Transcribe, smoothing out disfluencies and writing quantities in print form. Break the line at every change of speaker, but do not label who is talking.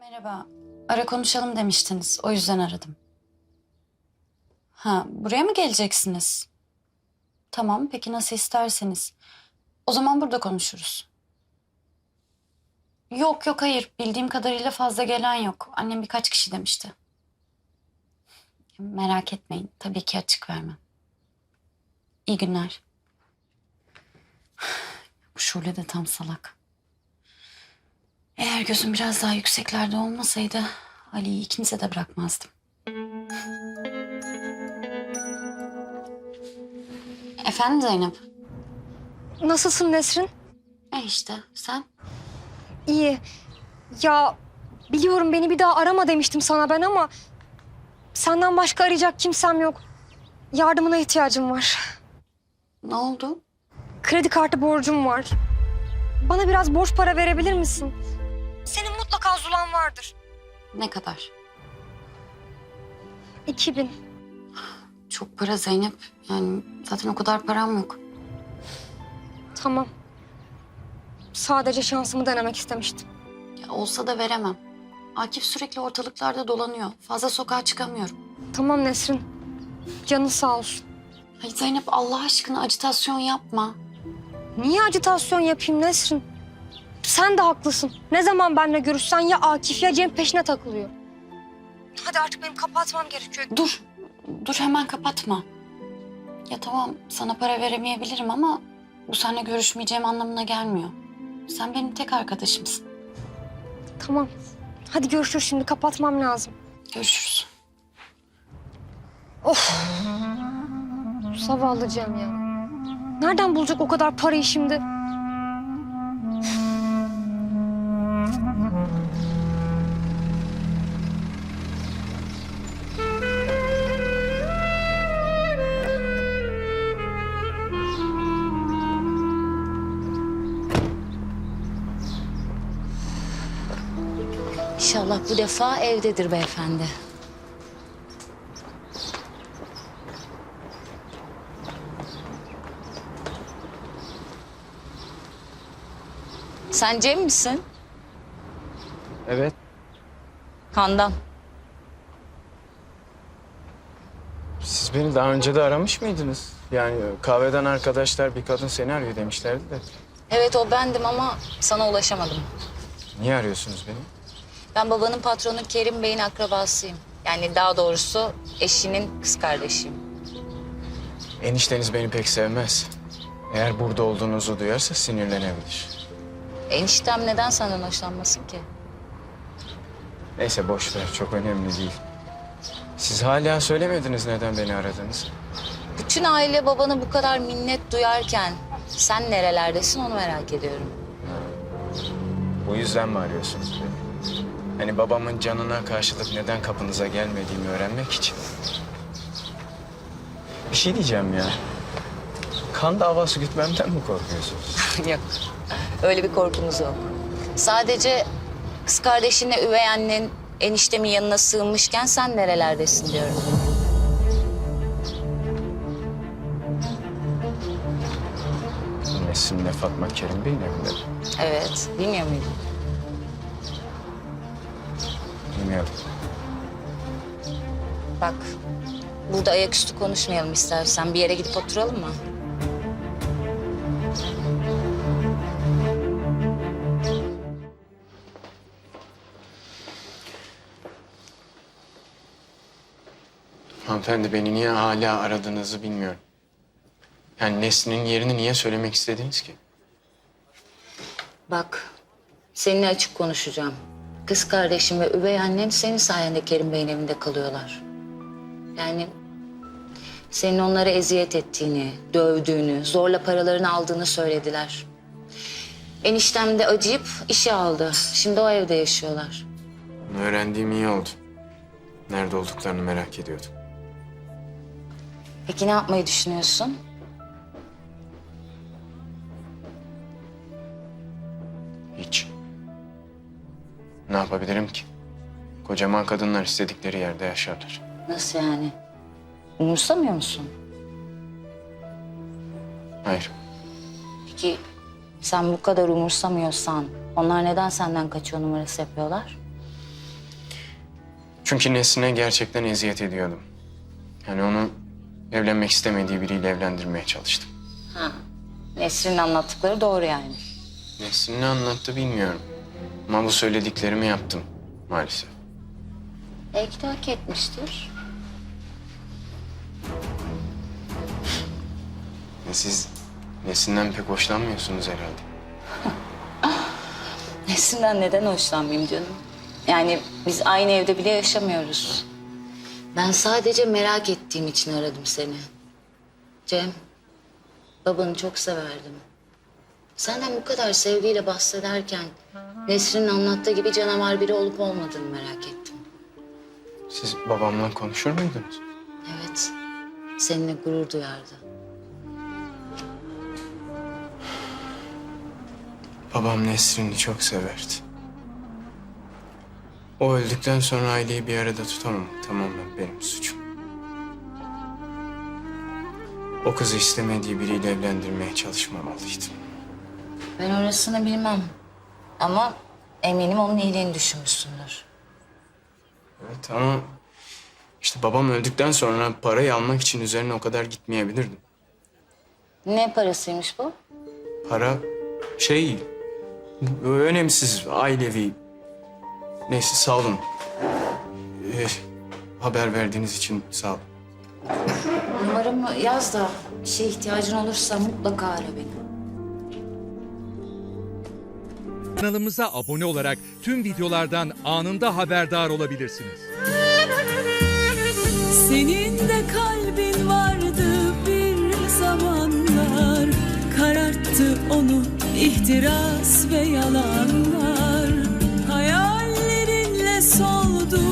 Merhaba. Ara konuşalım demiştiniz. O yüzden aradım. Ha, buraya mı geleceksiniz? Tamam, peki nasıl isterseniz. O zaman burada konuşuruz. Yok yok hayır. Bildiğim kadarıyla fazla gelen yok. Annem birkaç kişi demişti. Merak etmeyin. Tabii ki açık vermem. İyi günler. Bu Şule de tam salak. Eğer gözüm biraz daha yükseklerde olmasaydı Ali'yi ikinize de bırakmazdım. Efendim Zeynep?
Nasılsın Nesrin?
İşte sen?
İyi. Ya biliyorum beni bir daha arama demiştim sana ben ama... ...senden başka arayacak kimsem yok. Yardımına ihtiyacım var.
Ne oldu?
Kredi kartı borcum var. Bana biraz borç para verebilir misin? Senin mutlaka zulan vardır.
Ne kadar?
2000.
Çok para Zeynep. Yani zaten o kadar param yok.
Tamam. Sadece şansımı denemek istemiştim.
Ya olsa da veremem. Akif sürekli ortalıklarda dolanıyor. Fazla sokağa çıkamıyorum.
Tamam Nesrin. Canın sağ olsun.
Ay Zeynep Allah aşkına acitasyon yapma.
Niye acitasyon yapayım Nesrin? Sen de haklısın. Ne zaman benimle görüşsen ya Akif ya Cem peşine takılıyor. Hadi artık benim kapatmam gerekiyor.
Dur. Dur hemen kapatma. Ya tamam sana para veremeyebilirim ama bu seninle görüşmeyeceğim anlamına gelmiyor. Sen benim tek arkadaşımsın.
Tamam. Hadi görüşürüz şimdi. Kapatmam lazım.
Görüşürüz.
Zavallı Cem ya. Nereden bulacak o kadar parayı şimdi?
İnşallah bu defa evdedir beyefendi. Sen Cem misin?
Evet.
Handan.
Siz beni daha önce de aramış mıydınız? Yani kahveden arkadaşlar bir kadın seni arıyor demişlerdi de.
Evet o bendim ama sana ulaşamadım.
Niye arıyorsunuz beni?
Ben babanın patronu Kerim Bey'in akrabasıyım. Yani daha doğrusu eşinin kız kardeşiyim.
Enişteniz beni pek sevmez. Eğer burada olduğunuzu duyarsa sinirlenebilir.
Eniştem neden senden hoşlanmasın ki?
Neyse boş ver, çok önemli değil. Siz hala söylemediniz neden beni aradınız.
Bütün aile babana bu kadar minnet duyarken sen nerelerdesin onu merak ediyorum.
Bu yüzden mi arıyorsunuz beni? Hani babamın canına karşılık neden kapınıza gelmediğimi öğrenmek için. Bir şey diyeceğim ya. Kan davası gütmemden mi korkuyorsunuz?
Yok. Öyle bir korkumuz yok. Sadece kız kardeşinle üvey annen eniştemin yanına sığınmışken sen nerelerdesin diyorum.
Nesrin'le Fatma Kerim Bey'in evinde mi?
Evet, bilmiyor muydun?
Bilmiyorum.
Bak, burada ayaküstü konuşmayalım istersen. Bir yere gidip oturalım mı?
Hanımefendi beni niye hala aradığınızı bilmiyorum. Yani Nesrin'in yerini niye söylemek istediniz ki?
Bak, seninle açık konuşacağım. Kız kardeşim ve üvey annen senin sayende Kerim Bey'in evinde kalıyorlar. Yani senin onlara eziyet ettiğini, dövdüğünü, zorla paralarını aldığını söylediler. Eniştem de acıyıp işe aldı. Şimdi o evde yaşıyorlar.
Bunu öğrendiğim iyi oldu. Nerede olduklarını merak ediyordum.
Peki ne yapmayı düşünüyorsun?
Hiç. Ne yapabilirim ki? Kocaman kadınlar istedikleri yerde yaşarlar.
Nasıl yani? Umursamıyor musun?
Hayır.
Peki sen bu kadar umursamıyorsan onlar neden senden kaçıyor numarası yapıyorlar?
Çünkü Nesrin'e gerçekten eziyet ediyordum. Yani onu evlenmek istemediği biriyle evlendirmeye çalıştım.
Ha. Nesrin'in anlattıkları doğru yani.
Nesrin ne anlattı bilmiyorum. Ama bu söylediklerimi yaptım maalesef.
Belki de hak etmiştir.
Siz Nesrin'den pek hoşlanmıyorsunuz herhalde.
Nesrin'den neden hoşlanmayayım canım? Yani biz aynı evde bile yaşamıyoruz. Ben sadece merak ettiğim için aradım seni. Cem, babanı çok severdim. Senden bu kadar sevgiyle bahsederken Nesrin'in anlattığı gibi canavar biri olup olmadığını merak ettim.
Siz babamla konuşur muydunuz?
Evet, seninle gurur duyardı.
Babam Nesrin'i çok severdi. O öldükten sonra aileyi bir arada tutamam. Tamamen benim suçum. O kızı istemediği biriyle evlendirmeye çalışmamalıydım.
Ben orasını bilmem. Ama eminim onun iyiliğini düşünmüşsündür.
Evet ama işte babam öldükten sonra parayı almak için üzerine o kadar gitmeyebilirdim.
Ne parasıymış bu?
Para önemsiz, ailevi. Neyse sağ olun. Haber verdiğiniz için sağ olun.
Numaramı yaz da bir şeye ihtiyacın olursa mutlaka ara beni.
Kanalımıza abone olarak tüm videolardan anında haberdar olabilirsiniz.
Senin de kalbin vardı bir zamanlar, kararttı onu ihtiras ve yalanlar. Hayallerinle soldu